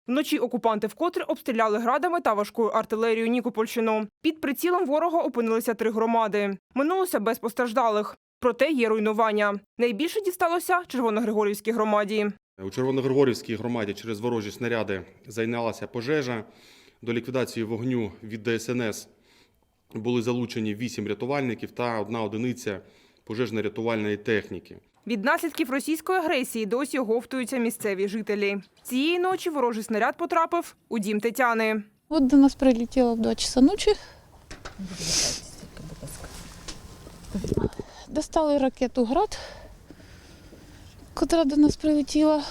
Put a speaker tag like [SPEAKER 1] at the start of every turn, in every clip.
[SPEAKER 1] Вночі окупанти вкотре обстріляли градами та важкою артилерією Нікопольщину. Під прицілом ворога опинилися 3 громади. Минулося без постраждалих. Проте є руйнування. Найбільше дісталося Червоногригорівській громаді.
[SPEAKER 2] У Червоногригорівській громаді через ворожі снаряди зайнялася пожежа. До ліквідації вогню від ДСНС були залучені 8 рятувальників та 1 одиниця пожежно-рятувальної техніки.
[SPEAKER 1] Від наслідків російської агресії досі оговтуються місцеві жителі. Цієї ночі ворожий снаряд потрапив у дім Тетяни.
[SPEAKER 3] От до нас прилетіло в 2 часа ночі. Достали ракету «Град», котра до нас прилетіла.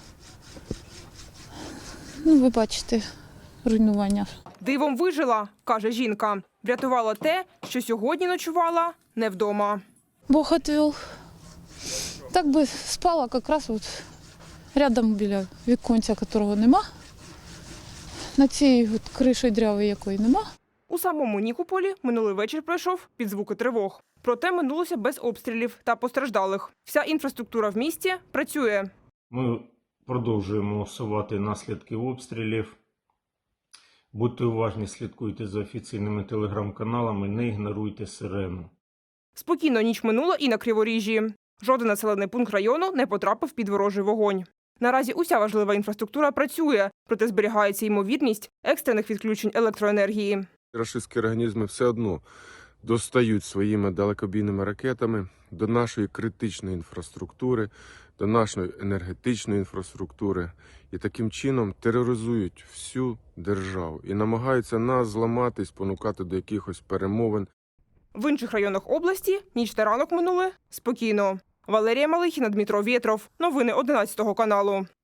[SPEAKER 3] Ну, ви бачите, руйнування.
[SPEAKER 1] Дивом вижила, каже жінка. Врятувала те, що сьогодні ночувала не вдома.
[SPEAKER 3] Бог відвів. Так би спала якраз от рядом біля віконця, якого нема. На цій от криші дрявої якої нема.
[SPEAKER 1] У самому Нікополі минулий вечір пройшов під звуки тривог. Проте минулося без обстрілів та постраждалих. Вся інфраструктура в місті працює.
[SPEAKER 4] Ми продовжуємо усувати наслідки обстрілів. Будьте уважні, слідкуйте за офіційними телеграм-каналами, не ігноруйте сирену.
[SPEAKER 1] Спокійно ніч минула і на Криворіжжі. Жоден населений пункт району не потрапив під ворожий вогонь. Наразі уся важлива інфраструктура працює, проте зберігається ймовірність екстрених відключень електроенергії.
[SPEAKER 5] Рашистські організми все одно достають своїми далекобійними ракетами до нашої критичної інфраструктури, до нашої енергетичної інфраструктури і таким чином тероризують всю державу і намагаються нас зламати, спонукати до якихось перемовин.
[SPEAKER 1] В інших районах області ніч та ранок минули спокійно. Валерія Малихіна, Дмитро Вєтров. Новини 11 каналу.